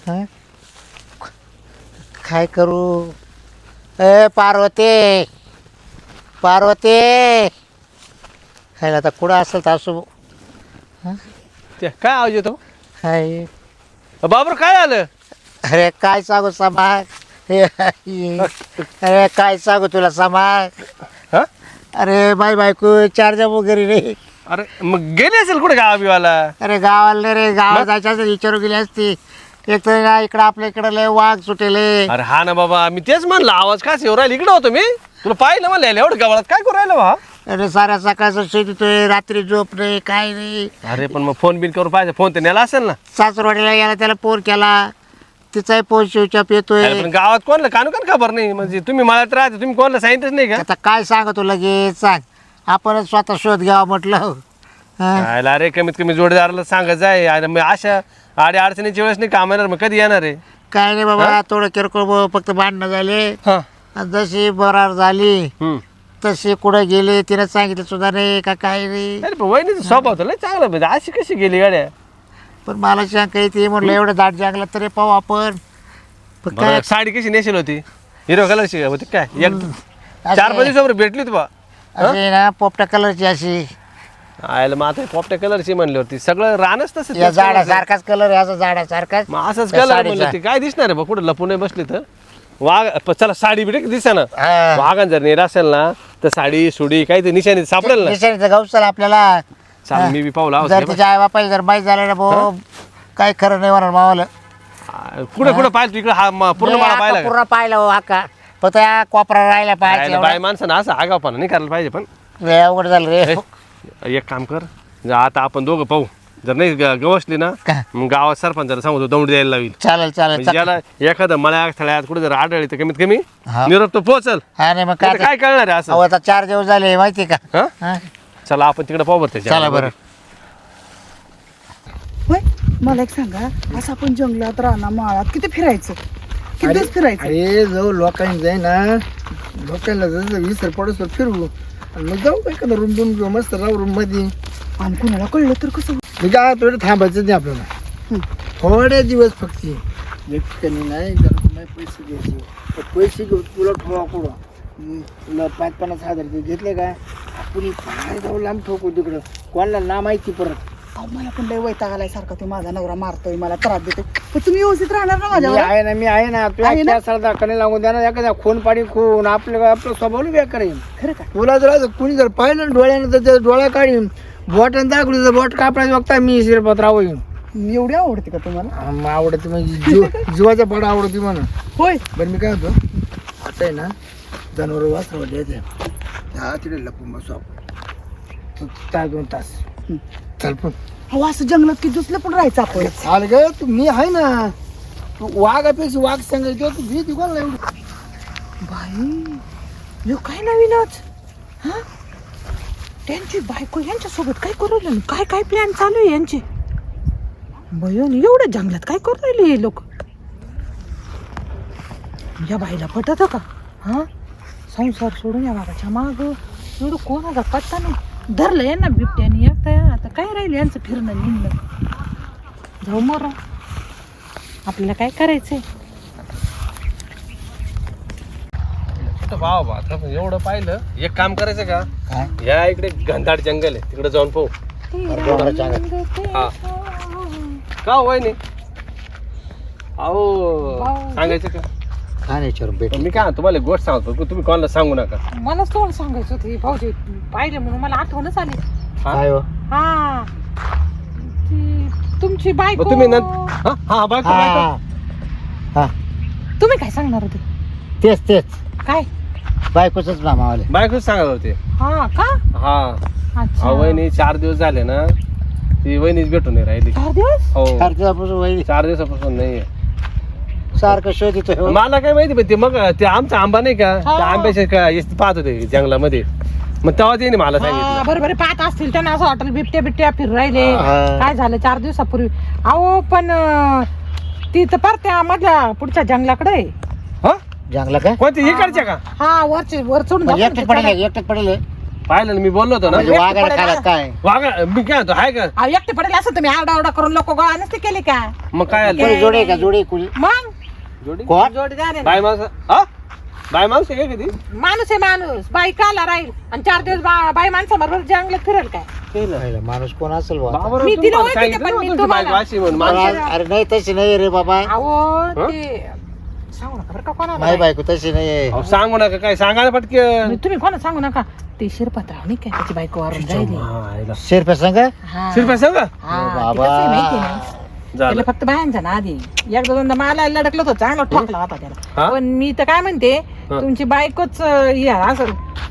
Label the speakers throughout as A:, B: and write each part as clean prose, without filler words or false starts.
A: हं? काय करू? ए पार्वती, पार्वती, खायला आता कुठं असेल तर असो.
B: ते काय आवाज येतो
A: हाय.
B: बाबर काय आलं
A: अरे काय सांगू समाग, अरे काय सांगू तुला समाग.
B: हा
A: अरे बाय बायको चार्जर वगैरे रे.
B: अरे मग गेले असेल कुठे गावाला
A: अरे गावाला नाही रे, गावाला जायचं असेल विचारू गेली असती. एक तर ना इकडं आपल्या इकडं लय वाघ सुटेले.
B: अरे हा ना बाबा मी तेच म्हणलं आवाज काय येऊ राहिला इकडे होतो मी तुला पाहिलं म्हणलं एवढं गावात काय करू राहिलं बा.
A: अरे साऱ्या सकाळचं शेतीतोय, रात्री झोप नाही काय नाही.
B: अरे पण मग फोन बिन करून पाहिजे फोन तर नेला असेल ना.
A: सासरवाडीला गेला त्याला फोन केला, तिचाही फोन शिवचाप येतोय.
B: अरे पण गावात कोणला कानू खबर नाही म्हणजे तुम्ही मला तर राहते तुम्ही कोणाला सांगितलंच नाही का.
A: आता काय सांगतो लगेच सांग, आपणच स्वतः शोध घ्यावा म्हटलं. हा?
B: अरे कमीत कमी जोडीदाराला सांगत जाय आणि मग अशा आडे अडचणीच्या वेळेस नाही काम येणार मग कधी येणार आहे.
A: काय नाही बाबा, थोडं किरकोळ फक्त भांडणं झाले.
B: हा
A: आणि जशी बरार झाली तशी कुठं गेले तिने सांगितलं सुद्धा नाही का काय नाही.
B: अरे पण वहिनीचा स्वभाव तर लय चांगला म्हणजे अशी कशी गेली गाड्या.
A: पण मला शंका येते म्हटलं एवढं दाट जंगलात तरी पाहू आपण. पण काय
B: साडी कशी नेसेल होती हिरो कलरची होती काय एक
A: असे-
B: 4-5 दिवसावर भेटली होती बा.
A: अशी ना पोपटा कलरची अशी
B: आयला मग आता पोपट्या कलरची म्हणली होती सगळं रानच तसं
A: या झाडासारखाच कलर आहे, असा झाडासारखाच.
B: मग असंच
A: त्या
B: कलर
A: साडीचा.
B: म्हणलं ती काय दिसणार आहे बा कुठं लपून नाही बसली तर वाघ चला साडी बिडी दिसा ना.
A: हा.
B: वाघान जर नेला असेल ना तर साडी सुडी काही ते निशाणी सापडेल ना.
A: निशाणीचं गौसल आपल्याला.
B: चाल मी बी पाहू
A: जर तिच्या आई बापाला जर माहीत झालं ना भाऊ काय खरं नाही होणार मावाला.
B: कुठे कुठं पाहिलं तू इकडे हा पूर्ण मला पाहिला का?
A: पूर्ण पाहिलं हो आका, फक्त या कोपरा राहिला
B: आयला
A: पाहिजे.
B: बाय माणसानं असं आगावपणा नाही करायला पाहिजे पण
A: लय अवघड झालं रे.
B: एक काम कर जर आता आपण दोघं पाहू जर नाही गवसली ना
A: काय?
B: मग गावात सरपंचाला सांगतो दौंड द्यायला लावील.
A: चालेल चालेल.
B: म्हणजे ज्याला एखादं मळ्या स्थळ्यात कुठे जर आढळली तर कमीत कमी
A: हा.
B: निरोप तो पोहोचल.
A: हा नाही मग
B: नाही तर
A: काय
B: काय कळणार आहे असं.
A: अहो, आता 4 दिवस झाले माहिती का.
B: हा?
A: हा?
B: चला आपण तिकडे पाहू बरं
A: चला बरं.
C: होय मला एक सांगा, असं आपण जंगलात राहणार माळात किती फिरायचं, किती दिवस फिरायचं?
D: अरे जाऊ लोकांनी जाई ना, लोकांना जसं विसर पडस फिरवू आणि मग जाऊ काय का रूम घेऊ मस्त राहू रूम मध्ये.
C: आणि कुणाला कळलं तर कसं?
D: मी काय थोडं थांबायचं नाही आपल्याला थोडे दिवस फक्त. एक ठिकाणी नाही जरा तुम्ही पैसे द्यायचे तर पैसे घेऊ तुला ठोवा कुठं तुला 5-50 हजार ते घेतले काय आपण काय जाऊ लांब ठोकू तिकडं कोणाला ना माहिती परत.
C: अहो मला पण लय वैताग आलाय सारखा, तो माझा नवरा मारतोय मला त्रास देतो, पण तुम्ही व्यवस्थित राहणार ना
D: मी
C: माझ्यावर?
D: आहे ना, मी आहे ना.
C: आहे
D: तुला
C: ना?
D: त्या दाखवणे लागून द्या ना, एखाद्या खून पाणी खून आपलं स्वभाव बेकार आहे.
C: खरं का?
D: तुला जर असं कुणी जर पाहिलं ना डोळ्यानं तर त्या डोळा काढीन बोटानं दाखवली तर बोट कापडायचं बघता मी शिरपत होईन.
C: एवढी आवडते का तुम्हाला?
D: आवडते म्हणजे जीवाच्या पडा आवडते म्हणा.
C: होय.
D: बरं मी काय होतो आता आहे ना जनावर वाचवत द्यायचं हा तिकडे लपून बसू आपण 2 तास चल पण.
C: अहो असं जंगलात किती दिवस पण राहायचं आपण?
D: चाल ग तू मी आहे ना. तू वाघापेक्षा वाघ सांगायचं तू भी कोणाला एवढी.
C: बाई यो काय नवीनच. हा त्यांची बायको यांच्यासोबत काय करू राहिली, काय काय प्लॅन चालू आहे यांचे? बयन एवढ्या जंगलात काय करू राहिले हे लोक? या बाईला पटत का? हा संसार सोडून या बाबाच्या माग एवढं कोणाचा पत्ता नाही. धरलं यांना बिबट्याने एकटा. आता काय राहिलं यांचं फिरणं निघणं. जाऊ मर, आपल्याला काय करायचंय?
B: भाव आता एवढं पाहिलं एक काम करायचं का
A: काय?
B: या इकडे घनदाट जंगल आहे तिकडे जाऊन पाहू. हा का वहिनी अहो सांगायचं का?
A: काय नाही विचारून भेट.
B: पण मी काय तुम्हाला एक गोष्ट सांगतो की तुम्ही कोणाला सांगू नका.
C: मलाच तुम्हाला सांगायचं होतं, भाऊजी पाहिले म्हणून मला आठवणच आली.
A: काय हो?
C: हा ती तुमची बायको.
B: मग तुम्ही हा हा बायको बायको.
A: हा हा
C: तुम्ही काय सांगणार होते?
A: तेच तेच
C: काय?
A: बायकोच ना मावाले.
B: बायकोच सांगत होते.
C: हा का?
B: हा
C: अच्छा.
B: अहो वहिनी 4 दिवस झाले ना ती वहिनीच भेटून नाही राहिली.
C: 4 दिवस?
B: हो
A: 4 दिवसापासून वहिनी
B: 4 दिवसापासून नाही.
A: सारखं शोध येतोय.
B: मला काय माहिती पण ते मग ते आमचा आंबा नाही का
C: हा.
B: त्या आंब्याचे पाहत होते जंगलामध्ये मग तेव्हा त्याने मला
C: हा,
B: सांगितलं.
C: बरोबर आहे, पाहत असतील त्यांना असं वाटेल बिबट्या बिबट्या फिर राहिले.
A: हा.
C: काय झालं 4 दिवसापूर्वी? अहो पण ती तर पार त्या मधल्या पुढच्या जंगलाकडे आहे.
B: हा
A: जंगला काय
B: कोणती इकडच्या का?
C: हा वरचे वर चढून
A: म्हणजे
C: जाऊन
A: एकटेच पडेल एकटेच पडेल.
B: पाहिलं ना मी बोललो होतो ना
A: म्हणजे वाघाला खाला काय
B: वागा मी काय म्हणतो हाय का
C: अहो, एकटे पडेल असं तुम्ही आरडाओरडा करून लोक गोळा नसते केले का
B: मग काय आलं?
A: कोणी जोडे का जोडे कुणी
C: मग
B: जोडी
A: कोण
C: जोडीदार आहे ना.
B: बाय माणसं हा बाय माणूस आहे का कधी
C: माणूस आहे माणूस बाई काला राहील आणि 4 दिवस बाई माणसाबरोबर जंगलात फिरेल काय
A: पहिला माणूस कोण असेल बुवा?
B: बाबा
C: मी
B: रे,
C: तिला
B: तुम्हाला
C: ओळखते,
B: सांगितलं
C: पण
B: ना
C: मी
B: तुमची
C: तुम्हाला-
B: बायको अशी म्हणून
A: मला
B: माणसं-
A: अरे नाही तशी नाही रे बाबा
C: अहो ते सांगू नका बरं का कोणाला
A: माझी बायको तशी नाही
B: अहो, सांगू नका काय सांगा ना पटकन
C: मी- तुम्ही कोणा सांगू नका ते शिरपतराव नाही काय त्याची बायको वारून राहिली
A: शेरपे संघ
C: हा.
B: शिरप्या सांगा
C: हा, ते
A: बाबा.
C: कसं आहे माहिती आहे ना?
B: झालं
C: त्याला फक्त बायांचा ना आधी एकदा दोनदा मला लडकलं होतं चांगला ठोकला होता
B: हा?
C: त्याला पण मी तर काय म्हणते
B: हा.
C: तुमची बायकोच असं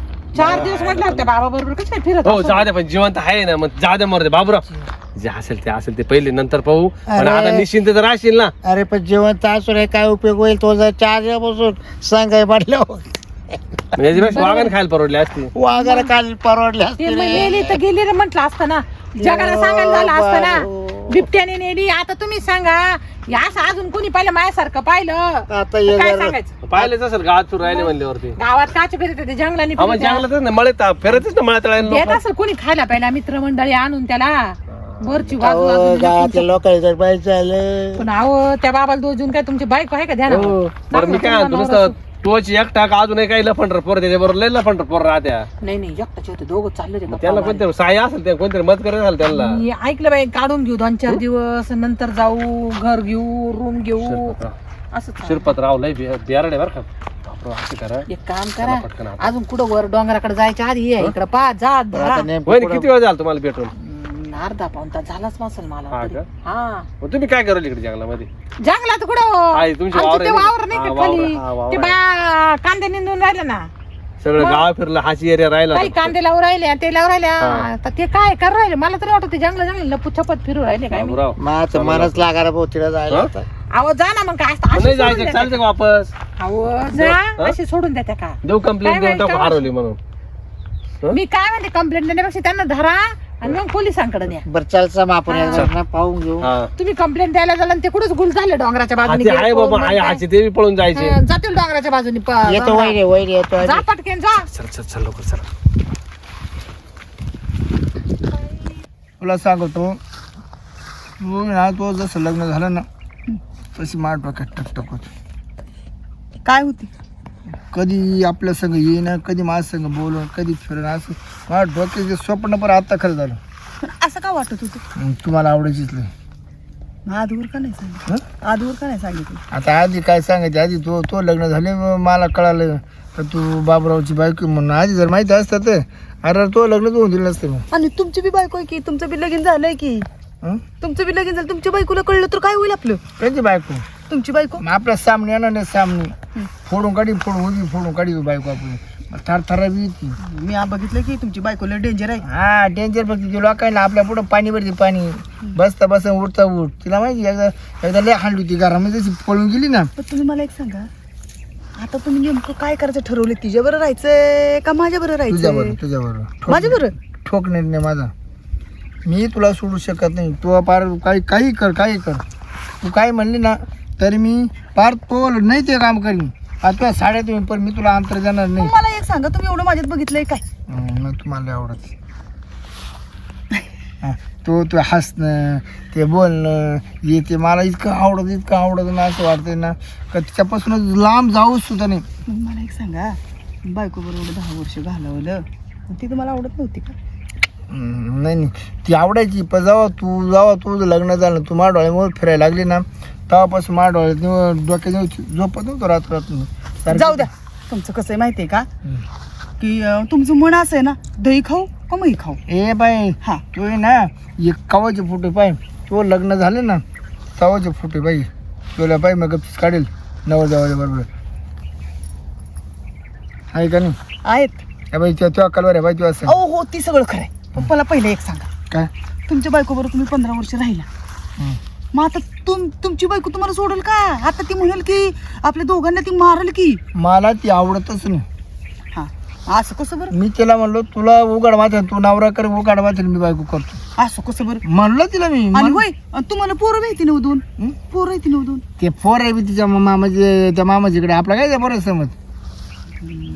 C: 4 दिवस म्हटलं त्या बाबा बरोबर कसं काय फिरत
B: हो
C: असेल?
B: जाऊ द्या पण जिवंत आहे ना मग जाऊ द्या मरते बाबूराव जे असेल ते पहिले नंतर पाहू पण
A: अरे.
B: आता निश्चिंत तर राहशील ना
A: अरे पण जिवंत असून हे काय उपयोग होईल तो जर 4 दिवसापासून सांगाय म्हटल्यावर
B: म्हणजे याच्यापेक्षा वागण खायला परवडली असती
A: वाघाला काल परवडले
C: ते
A: असते
C: मग
A: रे.
C: नेली तर गेली रे म्हटलं असतं ना जगाला सांगायला झालं असतं ना बिबट्याने नेली आता तुम्ही सांगा हे असं अजून कोणी पाहिलं माझ्यासारखं पाहिलं
A: आता
C: तर
A: ये
C: काय
A: जरा-
C: सांगायचं
B: पाहिलेच असेल गावात सुरू राहिले म्हणल्यावरती
C: गावात काचे फिरत होते जंगलाने
B: आम्हाला
C: फिरत होते.
B: जंगलातच ना मळत फिरतच ना मळ्यात
C: देत असेल कोणी खायला पहिला मित्रमंडळी आणून त्याला वरची बाजू
A: अहो,
C: बाजूला
A: गावातल्या लोकांनी जर पाहिजे झालं
C: पण अहो त्या बाबाला दोजून काय तुमची बायको आहे का ध्यान
B: बरं मी काय म्हणतो नुसतं तोच एकटा का अजूनही काही लफंडर पोर त्याच्याबरोबर लय लफंडर पोर राहत्या
C: नाही नाही एकटाचे होते दोघं चालले ते
B: त्याला
C: गप्पा
B: कोणतरी साय असेल ते कोणतरी मत करत असेल त्यांना
C: मारायला. मी ऐकलं बाई काढून घेऊ 2-4 दिवस नंतर जाऊ घर घेऊ रूम घेऊ असं चाललं.
B: शिरपतराव लय बियारडे बरं का बापरे, असं करा
C: एक काम
B: चला
C: करा
B: पटकन आता.
C: अजून कुठं वर डोंगराकडे जायच्या आधी ये इकडे पा जा धरा
A: आता नेमकं
B: होय
A: कुठं-
B: किती वेळ झाला तुम्हाला भेटून
C: अर्धा पाऊण तास झालाच नसेल मला
B: हा
C: तरी.
B: का?
C: हा
B: मग तुम्ही काय कराल इकडे जंगलामध्ये
C: जंगलात कुठं
B: आहे, तुमची
C: आमचं
B: वावर
C: ते
B: आहे ना?
C: वावर नाही
B: हा,
C: का
B: वावर,
C: खाली
B: हा, वावर
C: ते
B: आहे.
C: बा कांदे निंदून राहिले ना
B: सगळं गाव फिरलं हाची एरिया राहिला
C: काही कांदे लावून राहिले ते लावून राहिले
B: हा.
C: तर ते काय करू राहिले मला तरी वाटतं ते जंगल लपू छपत फिरू राहिले काय मी.
B: बाबूराव
A: माझं मनच लागायला भाऊ तिला जायला
B: हा?
A: आता.
C: अहो जा ना मग काय असतं,
B: मग
C: अशी
B: नाही
C: सोडून
B: जायचं
C: देता
B: चालतं का वापस
C: का? अहो जा
B: हा?
C: अशी सोडून देता का
B: देऊ कंप्लेंट
C: काय
B: देऊन टाकू
C: माहिती?
B: हरवली म्हणून हं?
C: मी काय म्हणते कंप्लेंट देण्यापेक्षा त्यांना धरा आणि मग पोलिसांकडे न्या
A: बरं चालचं मग आपण एकदा ना पाहून घेऊ
B: हा
C: तुम्ही कंप्लेंट द्यायला झालं आणि ते कुठंच गुल झाले डोंगराच्या
B: हा,
C: बाजूने
B: ते
C: गेले
B: आहे
C: पळून
B: बाबा आहे
C: मग
B: हाची ते बी पळून जायचे
C: काय? जातील डोंगराच्या बाजूने
A: येतो वैरे वैरे येतो
C: जा पटकेन जा
B: चल चल चल लवकर चल
D: तुला सांगतो तू ना तो जसं लग्न झालं ना तशी मार डोक्यात टकटक होती
C: काय होती
D: कधी आपल्या संग येईन कधी माझ्या संग बोलून कधी फिरून असं माझ्या डोक्याचे स्वप्न पण आता खरं झालं
C: असं का वाटत होतं
D: तुम्हाला आवडायचीच नाही
C: आधीवर का नाही सांगितलं
D: हं?
C: आधीवर का नाही सांगितलं
D: आता आधी काय सांगायचं आधी तो लग्न झाले मग मला कळालं तर तू बाबरावची बायको म्हणून आधी जर माहिती असतं तर अरे तो लग्न होऊन दिलं नसतं मग
E: आणि तुमची बी बायको आहे की तुमचं बी लगीन झालंय की
D: हं?
E: तुमचं बी लगीन झालं तुमच्या बायकोला कळलं तर काय होईल आपलं
D: त्यांची बायको
E: तुमची बायको
D: मग आपल्या सामने येणार नाही सामने फोडून काढी बायको आपली थर थरा बी येते
E: मी बघितलं की तुमची बायकोला डेंजर आहे
D: हा डेंजर फक्त ती लोकांना आपल्या पुढं पाणी भरते पाणी बसता बसता उठता उठ तिला माहिती एकदा लय हांडली होती घरामध्ये जशी पळून गेली ना
E: पण तुम्ही मला एक सांगा आता तुम्ही नेमकं काय करायचं ठरवलं तिच्याबरोबर राहायचंय का माझ्याबरोबर राहायचंय
D: तुझ्याबरोबर
E: माझ्याबरोबर
D: ठोक नाही माझा मी तुला सोडू शकत नाही तू पार काही कर तू काय म्हणली ना तरी मी पार तो नाही ते काम करीन तुला साड्या तुम्ही पण मी तुला अंतर देणार नाही
E: मला एक सांगा तुम्ही एवढं माझ्यात बघितलंय काय
D: मग तुम्हाला लय आवडत हा, तू हसणं ते बोलणं हे ते मला इतकं आवडत ना असं वाटतंय ना का तिच्यापासूनच लांब जाऊच सुद्धा नाही
E: मग मला एक सांगा बायको बरोबर 10 वर्ष घालवलं पण ती तुम्हाला आवडत नव्हती का
D: नाही ती आवडायची पण जेव्हा तुझं लग्न झालं तू माझ्या डोळ्यामुळे फिरायला लागली ना तेव्हापासून माझ्या डोळ्यात डोक्यात झोपत नव्हतं रात्र
E: जाऊ द्या तुमचं कसं आहे माहितीये का की तुमचं मन असं आहे ना दही खाऊ का मही खाऊ
D: ए बाई
E: हा
D: तू आहे ना एक कवाचे फोटो पाय तो लग्न झाले ना तवाचे फोटो बाई तुला पाय मग गप्पीस काढेल नवरदेवाच्या बरोबर आहे का नाही
E: आहेत
D: बाई तुझ्या कलवर आहे बाई तू असं
E: अहो हो ती सगळं खरंय पण मला पहिले एक सांगा
D: काय
E: तुमच्या बायकोबरोबर तुम्ही 15 वर्ष राहिला
D: हं.
E: मग आता तुमची बायको तुम्हाला सोडेल का आता ती म्हणेल की आपल्या दोघांना ती मारेल की
D: मला ती आवडतच नाही
E: हा असं कसं बरं
D: मी तिला म्हणलो तुला उघड वाचन तू नवरा कर उघड वाचन मी बायको करतो
E: असं कसं बरं
D: म्हणलं तिला मी
E: आणि होय आणि तुम्हाला पोरं माहिती नव्ह दोन
D: हं?
E: पोरं माहिती नव्ह दोन
D: ते फोर आहे बी तिच्या मामाचे त्या मामाजीकडे आपला काय त्या बरं समज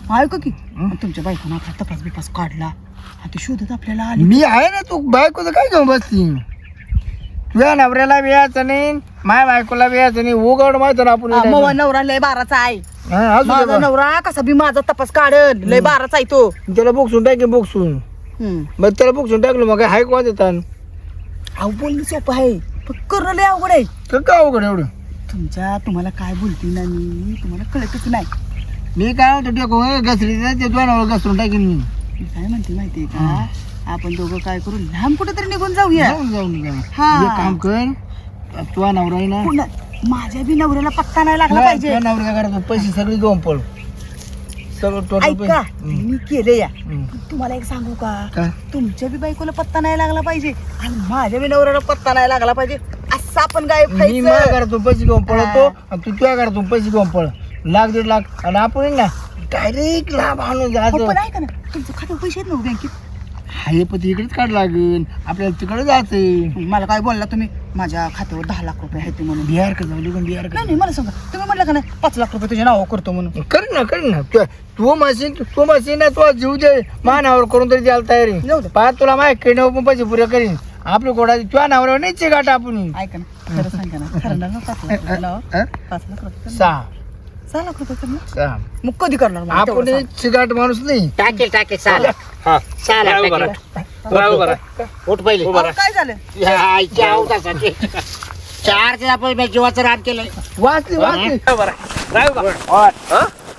E: ऐका की आणि तुमच्या बायकोनं आपला तपास बिपास काढला आणि ते शोधत आपल्याला आली.
D: मी आहे ना, तू बायकोचं काय घेऊन बसती? तुझ्या नवऱ्याला वेळाचं नाही, माझ्या बायकोला वेळाचं नाही. उघड माहिती ना आपण
E: मग नवरा लय बाराचा आहे.
D: हा, असू दे
E: माझा
D: बा.
E: नवरा कसा बी माझा तपास काढल, लय बाराचा आहे तो.
D: त्याला बोक्सून टाकेन बोक्सून. मग त्याला बोक्सून टाकलं मग काय हाय कोण देतात?
E: अहो बोलणं सोपं आहे पण करणं लय अवघड आहे.
D: का अवघड एवढं?
E: तुम्हाला काय बोलते ना मी तुम्हाला कळतच नाही.
D: मी काय म्हणतो टेको घसरी ते तुझ्या नवरा घसरून टाकेन मी.
E: मी काय म्हणते माहितीये का, आपण दोघं काय करू, लांब कुठेतरी निघून जाऊया.
D: जाऊन
E: हा.
D: एक काम कर, तुझा नवरा आहे ना,
E: पुन्हा माझ्या बी नवऱ्याला पत्ता नाही लागला पाहिजे.
D: तुझ्या नवऱ्या घरात पैसे सगळे घेऊन पळ. सगळं टोटल
E: ऐका मी केले या.
D: हम्म.
E: पण तुम्हाला एक सांगू का,
D: काय?
E: तुमच्या बी बायकोला पत्ता नाही लागला पाहिजे आणि माझ्या बी नवऱ्याला पत्ता नाही लागला पाहिजे. असं आपण काय
D: मी माझ्या घरातून पैसे घेऊन पळतो आणि तू तुझ्या घरातून पैसे घेऊन पळ. 1,00,000-1,50,000 आणि आपण ना डायरेक्ट लाभ आणून जायचं.
E: पण ऐका ना, तुमचं खात्यावर पैसे आहेत ना बँकेत?
D: हाय पण ते इकडेच काढ लागेल, आपल्याला तिकडे जायचंय.
E: मला काय बोलला तुम्ही, माझ्या खात्यावर 10 लाख रुपये आहेत म्हणून?
D: बिहार का जाऊ पण बिहार का
E: नाही नाही मला सांगा, तुम्ही म्हटलं का नाही 5 लाख रुपये तुझ्या नावावर करतो म्हणून?
D: कर ना तू मशीन ना तू जीव दे मानावर करून तरी द्यायला तयारी.
E: जाऊ दे.
D: पाहत तुला माहिती पण पैसे पुरे करीन. आपली कोणा तुझ्या नावावर नाही चिकाट आपण.
E: ऐका ना, खरं सांगा ना, खरं ना 5 लाख रुपये नावावर? 5 लाख रुपये? 6 लाख रुपये करणार? मग कधी करणार मला तेवढं
D: आपण
E: सांग.
D: चिकाट माणूस नाही.
A: टाकेल साला
B: हा
A: साला
B: राय उभा
A: टाकेल.
B: राय उभा राय
A: उठ पहिले
E: अहो, काय झालं?
A: ह्या आईच्या अवतासाठी 4 ते आपण मी जीवाचं रान केलंय.
D: वाचली
B: उभा राय उभा
A: ओय,
B: हा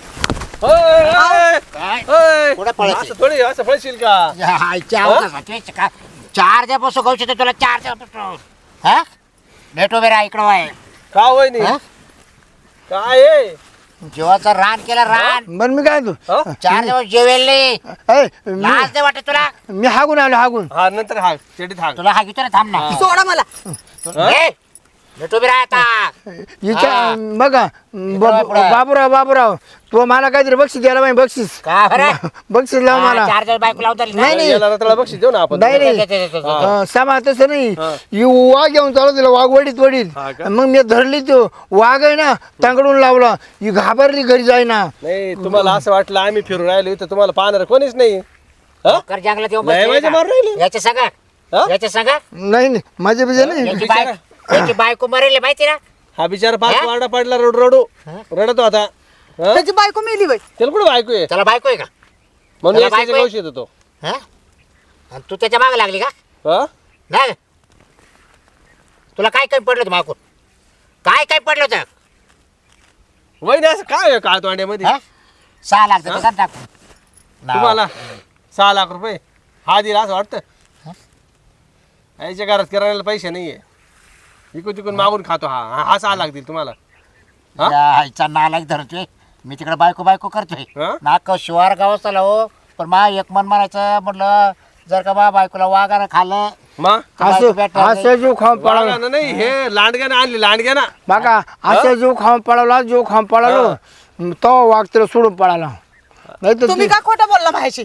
B: ओय,
A: काय
B: ओय.
A: कुठं पळायचं?
B: असं थोडी असं पळशील का?
A: ह्या आईच्या अवतासाठी का 4 दिवसापासून गवशी तुला 4 दिवसापासून हा भेटो बेरा इकडं आहे
B: का होय नाही
A: हा?
B: काय आहे?
A: जीवाचं रान केलं रान.
D: बरं मी काय तू
B: हा?
A: 4 दिवस जेवेल नाही. लाज नाही वाटत तुला?
D: मी हागून आलो हागून.
B: हा नंतर हाक चेडीत हाक
A: तुला हा घेतो ना, थांब ना.
E: सोडा मला.
A: ए, भेटो बेरा आता.
D: हिच्या बघा बाबूराव तू मला काहीतरी बक्षीस द्यायला पाहिजे. बक्षीस
A: का बरं?
D: बक्षीस लाव मला.
A: 4 दिवस बायको लावता
D: नाही.
B: याला त्याला बक्षीस देऊ ना आपण.
D: नाही नाही
B: हा.
D: सामा तसं नाही.
B: हा.
D: ही वाघ घेऊन चालू तिला वाघ वडीत
B: हा का?
D: मग मी धरली तो वाघ आहे ना तांगडून लावला. ही घाबरली घरी जाईना.
B: नाही तुम्हाला असं वाटलं आम्ही फिरून राहिलो इथं तुम्हाला पाहणार कोणीच नाही. हा?
A: कर जंगलात येऊन
B: नाही
A: बसले
B: माझ्या
A: का?
B: मारून राहिले.
A: याच्या सांगा
B: हा?
A: याच्या सांगा
D: नाही माझ्या बिजा नाही.
A: याची बायको मरेल माहिती ना.
B: हा बिचारा पाच
A: हा?
B: वारडा पडला रडू रडतो आता. हा?
E: त्याची बायको मेली बाई.
B: त्याला कुठं बायको आहे
A: त्याला बायको आहे का?
B: म्हणून
A: त्याला बायको आहे?
B: गवशी येतो तो.
A: हा? आणि तू त्याच्या मागे लागली का?
B: हा?
A: नाही तुला काय काय पडलं होतं मागून? काय पडलं होतं?
B: वहिनी असं काय आहे काळ तोंड्यामध्ये?
A: हा? 6 लाख देतो का टाकून?
B: तुम्हाला 6 लाख रुपये हा दिला असं वाटतं? याच्या घरात किराण्याला पैसे नाहीये. इकून तिकून मागून खातो हा 6 लाख देईल तुम्हाला. हा?
A: या आईचा नालायक धरतोय मी तिकडे बायको करतोय
B: हा?
A: नाक शिवार गावात आला हो. पण मा एक मन म्हणायचं म्हटलं जर का बा बायकोला वागानं खाल्लं
B: मग
A: तर बायको भेटणार नाही.
D: असं जीव खाऊन पळाला
B: वागानं नाही हे लांडग्यानं आणली लांडग्याना.
D: बघा. असं जीव खाऊन पळालो तो वाघ तिला सोडून पळाला. नाही तर
E: तुम्ही का खोटं बोलला माझ्याशी?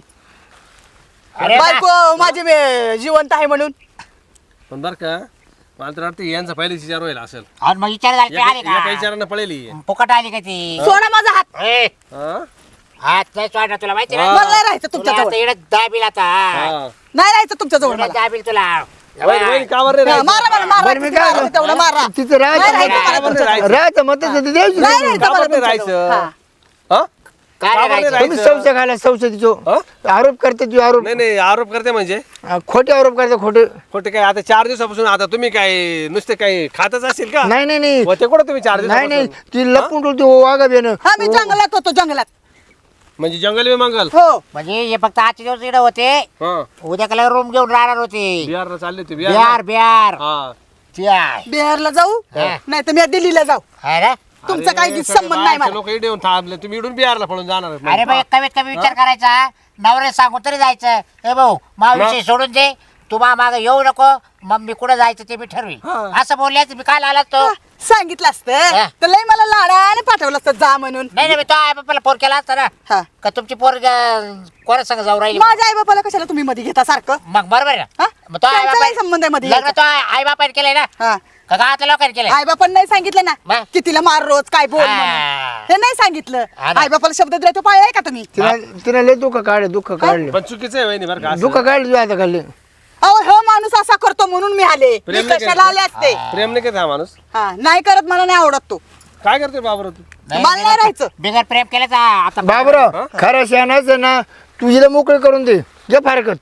A: अरे
E: बायको माझी जिवंत आहे म्हणून.
B: पण बरं का मला तर वाटतं यांचा पहिलेच विचार व्हायला असेल.
A: आणि मग विचार झाले ते आले
B: एका
A: का?
B: विचारानं पळेली.
A: फुकट आली का ती?
E: सोडा माझा हात.
A: ए,
B: हा?
A: हात नाही सोडणार तुला माहिती ना?
B: हा.
E: मला नाही राहायचं
A: तुला
E: तुमच्या
A: आता
E: जवळ.
A: इकडे दाबील आता.
B: हा.
E: नाही राहायचं तुमच्या जवळ
A: इकडे
E: मला.
A: दाबील तुला.
B: वहिनी का बरं रे
E: हा,
B: राहायचं?
E: मारा मला मारा.
D: बरं, मी
E: किती
D: काय
E: मारायचं तेवढं मारा.
D: तिचं
E: नाही राहायचं मला
B: का बरं
E: तुमच्या
B: राहायचं?
E: जवळ.
D: राहायचं मग तसं द्यायची
E: नाही
D: नाही.
E: राहायचं
B: का
E: मला
B: बरं
E: तुमच्या
B: राहायचं?
E: जवळ. हा.
B: हा?
A: काय
B: का
A: रे
B: बरं
A: राहायचं?
B: राहायचं?
D: तुम्ही संशय खायला संशय तिचो
B: हा?
D: आरोप करते तू आरोप
B: नाही नाही आरोप करते म्हणजे
D: खोटे आरोप करते खोटे.
B: खोटे काय आता 4 दिवसापासून आता तुम्ही काय नुसते काय खातच असेल का?
D: नाही
B: होते कुठं तुम्ही 4
D: नाही
B: दिवसापासून?
D: ती लपून ठेवते वाघा बेन.
E: हा मी जंगलात होतो जंगलात.
B: म्हणजे जंगल बी मंगल.
E: हो.
A: म्हणजे हे फक्त आजचे दिवस इकडे होते
B: हा
A: उद्या कला रूम घेऊन राहणार होते.
B: बिहारला चालले होते
A: बिहार
B: हा
A: त्या
E: बिहारला जाऊ
A: हा.
E: नाही तर मी दिल्लीला जाऊ.
A: है ना?
E: तुमचा काही संबंध नाही मला.
B: लोक इकडे येऊन थांबले तुम्ही इडून बिहारला पळून जाणार.
A: अरे बाई कमीत कमी विचार करायचा नवरे सांगून तरी जायचं. ए भाऊ विषय सोडून दे तू माग येऊ नको मग मी कुठं जायचं ते मी ठरवीन.
B: हा.
A: असं बोलल्याच मी काल आला तो.
E: सांगितलं असतं
A: हा.
E: तर लय मला लाडाने पाठवलं असतं जा म्हणून.
A: नाही मी तो आई बापाला फोन केला असता ना
E: हा.
A: का तुमची पोर कोणा संग जाऊ राहिली
E: माझ्या आई बापाला कशाला तुम्ही मध्ये घेता सारखं?
A: मग बरोबर आहे ना.
E: हा?
A: मग तो आई
E: त्यांचा
A: बापा
E: काय संबंध आहे मध्ये
A: लग्न
E: यायचा?
A: तो आई बापाने केलंय ना
E: हा.
A: का गावातल्या लोकांनी केलंय?
E: आई बापांना नाही सांगितलं ना
A: मग?
E: की तिला मार रोज काय बोल
A: हा.
E: म्हणून. हे नाही सांगितलं
A: हा ना.
E: आई बापाला शब्द दिला तो पाळलाय का तुम्ही
D: तिला लय दुःख काढले
B: पण चुकीचं आहे वहिनी बरं का असं.
D: दुःख काढले तुझ्या आता खाल्ले
E: अहो हो माणूस असा करतो म्हणून मी आले मी
B: प्रेम नाही
E: कशाला आले असते
B: प्रेम नाही करत हा माणूस
E: हा नाही करत मला नाही आवडत तो
B: काय करतोय बाबर तू
E: मला नाही राहायचं
A: बिगर प्रेम केल्याचा आता
D: बाबराव खरं शहाणाचं ना तू हिला मोकळं करून दे जे फारकत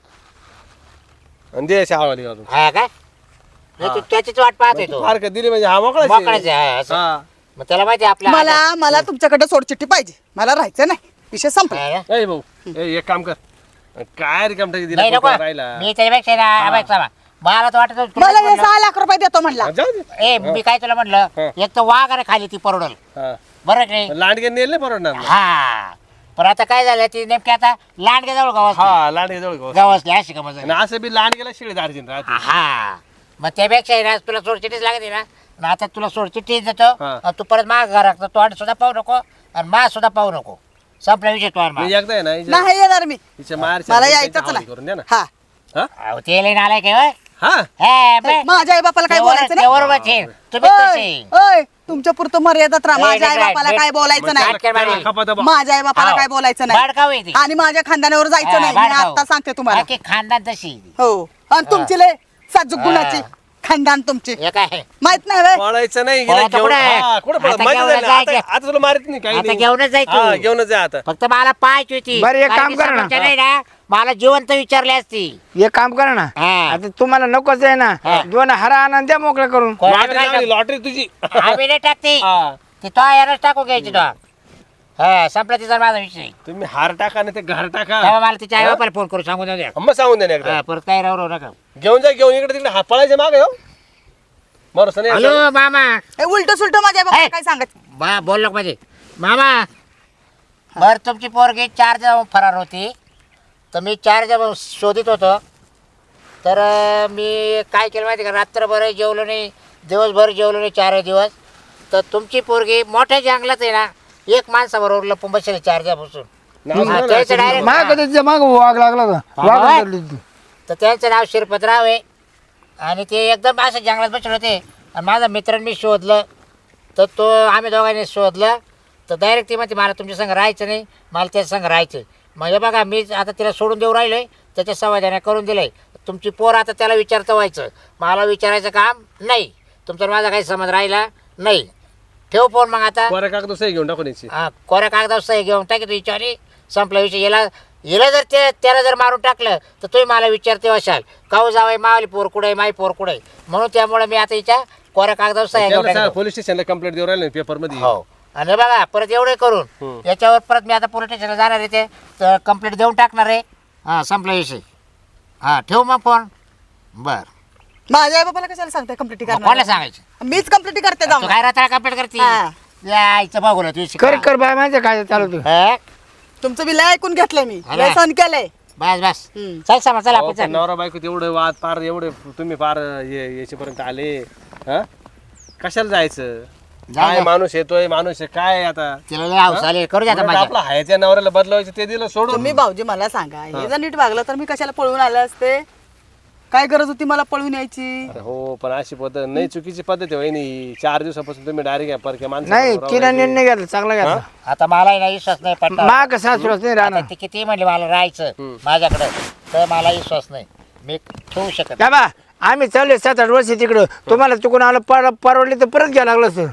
B: आणि दे अशी हवाली घालून
A: हा काय नाही, तू त्याचीच वाट पाहतोय तो
B: फार दिली म्हणजे हा मोकळाच
A: मोकळाच
B: आहे.
A: आहे, हा, असं.
B: हा.
A: मग त्याला माहिती आहे आपल्या
E: मला तुमच्याकडे सोडचिठ्ठी पाहिजे मला राहायचं नाही विषय संपला
A: हा ना?
B: ए भाऊ एक काम कर काय रिकाम टाकी
A: नाही नको
B: दिला राहिला
A: मी त्याच्यापेक्षा ना आवाज सांगा मला तर वाटत होतं
E: मला
A: तुला
E: हे 6 लाख रुपये देतो म्हणला
B: हा, जाऊ दे
A: ए मी काय तुला म्हटलं
B: हा.
A: एक तर वाघ आणि खाली ती परवडल
B: हा.
A: बरं की नाही
B: लांडगे नेल नाही परवडणार ना.
A: हा पण आता काय झालं ती नेमकी आता लांडगे जवळ गवस
B: हा लांडगे जवळ गवस.
A: गवसली अशी का मजा
B: आणि असं बी लांडगेला शिळे दार्जिन राहते
A: हा मग त्यापेक्षा आहे ना तुला सोडचिठ्ठीच लागते ना आणि आता तुला सोडचिठ्ठी देतो
B: हा.
A: आणि तू परत माग घरात तोंड सुद्धा पाहू नको आणि मा सुद्धा पाहू नको संपला विषय तो
B: मी एकदा आहे ना
E: नाही येणार मी
B: हिच्या मार
E: मला यायचंच नाही
B: करून द्या ना
E: हा
B: हा
A: ते लई नालायक आहे होय.
B: हा
A: हे, बे.
E: माझ्या आई बापाला काय
A: ते
E: बोलायचं
A: वर- ते बरोबर आहे. तुम्ही कसे
E: नाही ओय तुमच्या पुरतं मर्यादात राहा
A: ए,
E: माझ्या आई
A: नीट
E: बापाला
A: राहा,
E: काय
A: नीट.
E: बोलायचं
A: मग
E: नाही
A: काय मारी?
B: खपाता बा.
E: माझ्या आई बापाला
A: हाव.
E: काय बोलायचं नाही
A: बाडकाव आहे ती.
E: आणि माझ्या खानदानावर जायचं नाही मी
A: बाडकाव.
E: आता सांगते तुम्हाला
A: बाकी खानदान तशी
E: हो आणि तुमची लय साजूक गुणाची खानदान तुमची
A: हे काय
E: माहित नाही व्हय?
B: पळायचं नाही
A: पळायचं
B: गेलं
A: कुठं?
B: घेऊन- हा, कुठं पळत?
A: आता
B: माहिती
A: घेऊनच
B: झालं ना,
A: जायचं.
B: आता तुला मारित नाही काही
A: आता
B: नाही
A: घेऊनच जाय
B: हा,
A: तू
B: घेऊनच जा आता
A: फक्त मला पाहायची होती
D: बरं, एक
A: कारण
D: काम
A: की
D: करा ना.
A: समोरच्या नाही ना मला जिवंत विचारले असती
D: एक काम करा ना
A: हा.
D: आता तुम्हाला नकोच आहे ना
A: हा.
D: 2 हारा आणा द्या मोकळं करून
B: लॉटरी लागली, लॉटरी तुझी
A: आम्ही नाही टाकते
B: हा.
A: ती तो यारच टाकू घ्यायची तो हा संपला तिचा माझा विषय
B: तुम्ही हार टाका नाही ते घर टाका
A: तेव्हा मला तिच्या आई बापाला फोन करू सांगून द्या
B: मग सांगून दे ना एकदा
A: परत काय राहू नका
B: घेऊन जा घेऊन इकडे तिकडे हा पळायचे मागे हो बरोबर नाही
A: हॅलो मामा
E: हे उलट सुलट माझ्या आई बापाला
A: हे.
E: काय सांगत
A: बा बोल नको माझे मामा बर तुमची पोरगी 4 जण फरार होती तर मी 4 जण शोधित होतो तर मी काय केलं माहिती का रात्रभर जेवलो नाही दिवसभर जेवलो नाही 4 दिवस तर तुमची पोरगी मोठ्या जंगलात आहे ना एक माणसाबरोबर लपून बसले 4 दिवसापासून हा, त्याचं direct-
D: माग त्याच्या माग वाघ लागला होता
A: बाबा.
D: वाघ धरली होती.
A: तर त्यांचं नाव शिरपतराव आहे आणि ते एकदम असं जंगलात बसले होते आणि माझा मित्रांनी मी शोधलं तर तो आम्ही दोघांनी शोधलं तर डायरेक्ट ती म्हणते मला तुमच्या संग राहायचं नाही मला त्याच्या संग राहायचं म्हणजे बघा मी आता तिला सोडून देऊ राहिलो आहे त्याच्या समाधाने करून दिलं आहे तुमची पोर आता त्याला विचारतं व्हायचं मला विचारायचं काम नाही तुमचा माझा काही समज राहिला नाही ठेव फोन मग आता
B: कोऱ्या कागद सही घेऊन टाकून यायची
A: हा, कोऱ्या कागदावर सही घेऊन टाकी तू विचारी संपला विषय याला जर त्याला जर मारून टाकलं तर तुम्ही मला विचारते असाल काऊ जावाय मावली पोर कुठे माई पोर कुठे म्हणून त्यामुळे मी आता हिच्या कोऱ्या कागदावर सही घेऊन टाकतो.
B: पोलीस स्टेशनला कंप्लेंट देऊ राहिले पेपर मध्ये
A: हो आणि बघा परत एवढे करून याच्यावर परत मी आता पोलीस स्टेशनला जाणार आहे ते कंप्लेंट देऊन टाकणार आहे हा संपला विषय हा ठेव मग फोन बर
E: माझ्या आई बापाला कशाला सांगताय कंप्लीट
A: कोणाला
E: करणार
A: सांगायचं
E: मीच कंप्लीट करते
A: तू
E: जाऊन
A: काय रात्र कंप्लेंट करते
E: हा.
A: यायचं बघू तू
D: कर कर बाय माझं काय चालू
A: हा?
E: तुमचं बिल ऐकून घेतलंय मी
A: अरे.
E: लय सहन केलंय
A: बस बस
E: हम्म.
A: चल समज चल
B: अहो,
A: आपण
B: पण
A: चल
B: नवरा बायको एवढे वाद पार एवढे तुम्ही पार याच्यापर्यंत आले हा कशाला जायचं काय
A: जा.
B: माणूस येतोय माणूस आहे काय आता
A: तिला लय हाऊस आली करू द्या आता
B: उलट
A: माझ्या
B: आपला हायच्या नवऱ्याला बदलावायचं ते दिलं सोडून
E: तुम्ही भाऊजी मला सांगा हे जर नीट वागलं तर मी कशाला पळून आले असते काय गरज होती मला पळून यायची
B: अरे हो पण अशी पद्धत नाही चुकीची पद्धत आहे वहिनी 4 दिवसापासून तुम्ही डायरेक्ट परक्या
D: नाही तिला निर्णय घेतला चांगला घेतला
A: आता मला नाही विश्वास नाही पडला
D: माग सासूरच नाही राहणार
A: ती किती म्हणली मला राहायचं माझ्याकडे तर मला विश्वास नाही मी ठेवू शकत
D: का बा आम्ही चालले 7-8 वर्ष तिकडं तुम्हाला चुकून आलं परवडले तर परत घ्यायला लागलं असं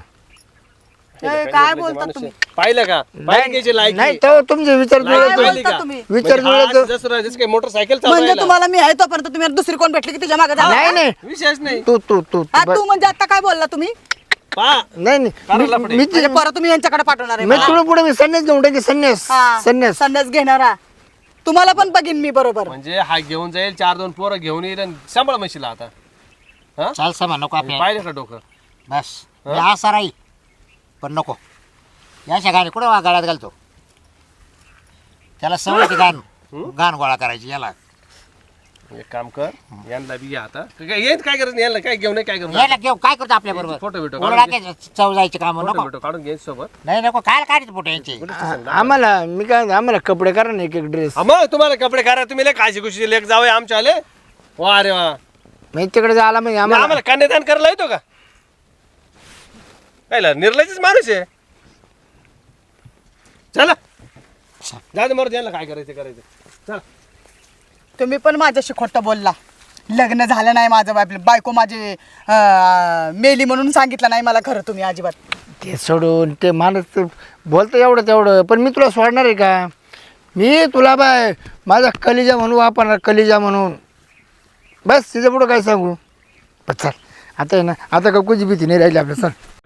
E: काय बोलता तुम्ही
B: पाहिलं का पाहिजे
D: नाही
B: लायकी
D: तर तुमचे विचार
E: काय
D: जुळत नाही.
E: बोलता तुम्ही
D: विचार जुळत
B: जसं काही मोटरसायकल
E: म्हणजे
B: चालवायला
E: तुम्हाला मी आहे तोपर्यंत तुम्ही दुसरी कोण भेटली की तुझ्या मागे
D: नाही नाही
B: विशेष नाही
D: तू तू तू
E: हा तू म्हणजे आता काय बोलला तुम्ही
B: पा
D: नाही
B: करायला
D: नाही मी
E: म्हणजे परत तुम्ही यांच्याकडे पाठवणार आहे
D: मी
E: मला?
D: तुला पुढे मी संन्यास घेऊन टाकी संन्यास
E: हा,
D: संन्यास
E: संन्यास घेणारा तुम्हाला पण बघीन मी बरोबर
B: म्हणजे हा घेऊन जाईल 4-2 पोरं घेऊन येईल आणि सांभाळ म्हशीला आता हा
A: चाल समा नको आपल्या
B: पाहिलं का डोकं
A: बस मी असा राहील पण नको याच्या गाणी कुठं गाड्यात घालतो त्याला सवय ती गाण गाण गोळा करायची याला
B: एक काम कर यांना बी घ्या आता येत काय करत यांना काय घेऊन काय करत
A: याला घेऊ काय करतो आपल्या बरोबर
B: फोटो बिटो
A: चव जायचे काम
B: फोटो
A: नको
B: बिटो काढून घ्यायचं सोबत
A: नाही नको काय काढायचं फोटो यांचे
D: आम्हाला मी काय आम्हाला कपडे करा ना एक ड्रेस
B: मग तुम्हाला कपडे करा तुम्ही लय काशी कुशी लेख जावे आमच्या आले वा रे वा
D: मी तिकडे जायला म्हणजे आम्हाला
B: आम्हाला कन्यादान करायला येतो का कायला निर्लयच माणूस आहे चला जा मरू द्यायला काय करायचं करायचं चला.
E: तुम्ही पण माझ्याशी खोटं बोलला. लग्न झालं नाही माझं, बायको माझी मेली म्हणून सांगितलं नाही मला खरं तुम्ही अजिबात.
D: ते सोडून ते माणूस बोलतं एवढं तेवढं, पण मी तुला सोडणार आहे का? मी तुला बाय माझा कलिजा म्हणून वापरणार, कलिजा म्हणून. बस तिचं पुढं काय सांगू. बस चल आता आहे ना, आता का कुठची भीती नाही राहिली आपल्या. चल